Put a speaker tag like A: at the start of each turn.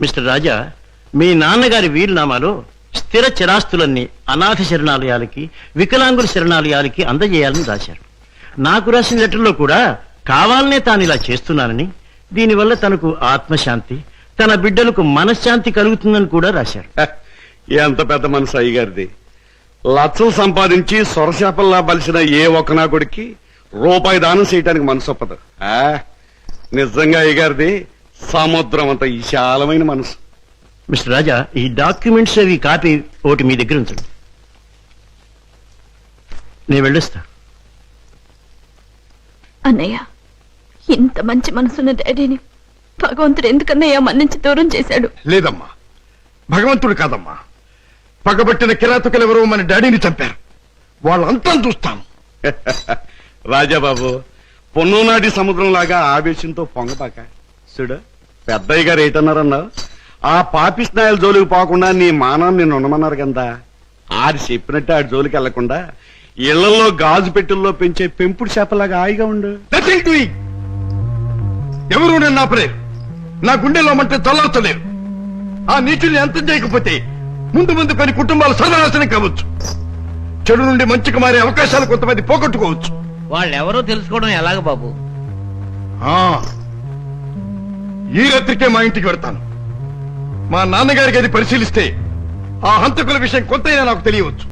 A: Mister రాజా, మీ నాన్నగారి వీలునామాలో స్థిర చిరాస్తులన్నీ అనాథ శరణాలయాలకి, వికలాంగుల శరణాలయాలకి అందజేయాలని రాశారు. నాకు రాసిన లెటర్లో కూడా కావాలనే తాను ఇలా చేస్తున్నానని, దీనివల్ల తనకు ఆత్మశాంతి, తన బిడ్డలకు మనశ్శాంతి కలుగుతుందని కూడా రాశారు.
B: ఎంత పెద్ద మనసు అయ్యగారిది. లక్షలు సంపాదించి సొరశాపల్లా బలిసిన ఏ ఒక్క నా కొడుక్కి రూపాయి దానం చేయటానికి మనసు ఒప్పదు. నిజంగా అయ్యగారిది సముద్రం అంత విశాలమైన మనసు.
A: మిస్టర్ రాజా, ఈ డాక్యుమెంట్స్ అవి కాపీ ఒకటి మీ దగ్గర ఉంచండి. నేను వెళ్ళొస్తా.
C: అన్నయ్య, ఇంత మంచి మనసున్న డాడీని భగవంతుడు ఎందుకన్నయ్య మన్నించి దూరం చేశాడు?
D: లేదమ్మా, భగవంతుడు కాదమ్మా, పగబట్టిన కిరాతకులెవరో మన డాడీని చంపారు. వాళ్ళంతా చూస్తాను.
B: రాజాబాబు, పొన్నునాటి సముద్రం లాగా ఆవేశంతో పొంగపాక. చూడు, పెద్దయ్య గారు ఏటన్నారన్నావు? ఆ పాపిస్నాయాల జోలికి పోకుండా నీ మానాన్ని నిన్ను ఉండమన్నారు కదా. ఆడి చెప్పినట్టు ఆడి జోలికి వెళ్లకుండా ఇళ్లలో గాజు పెట్టెల్లో పెంచే పెంపుడు చేపలాగా హాయిగా ఉండు.
D: ఎవరు నన్ను ఆపలేరు. నా గుండెలో మంటే చల్లార్చలేరు. ఆ నీచుల్ని అంతం చేయకపోతే ముందు ముందు కొన్ని కుటుంబాలు సర్వనాశనం కావచ్చు. చెడు నుండి మంచికి మారే అవకాశాలు కొంతమంది పోగొట్టుకోవచ్చు.
E: వాళ్ళెవరో తెలుసుకోవడం ఎలాగ బాబు?
D: ఈ రాత్రికే మా ఇంటికి వెడతాను. మా నాన్నగారికి అది పరిశీలిస్తే ఆ హంతకుల విషయం కొంతైనా నాకు తెలియవచ్చు.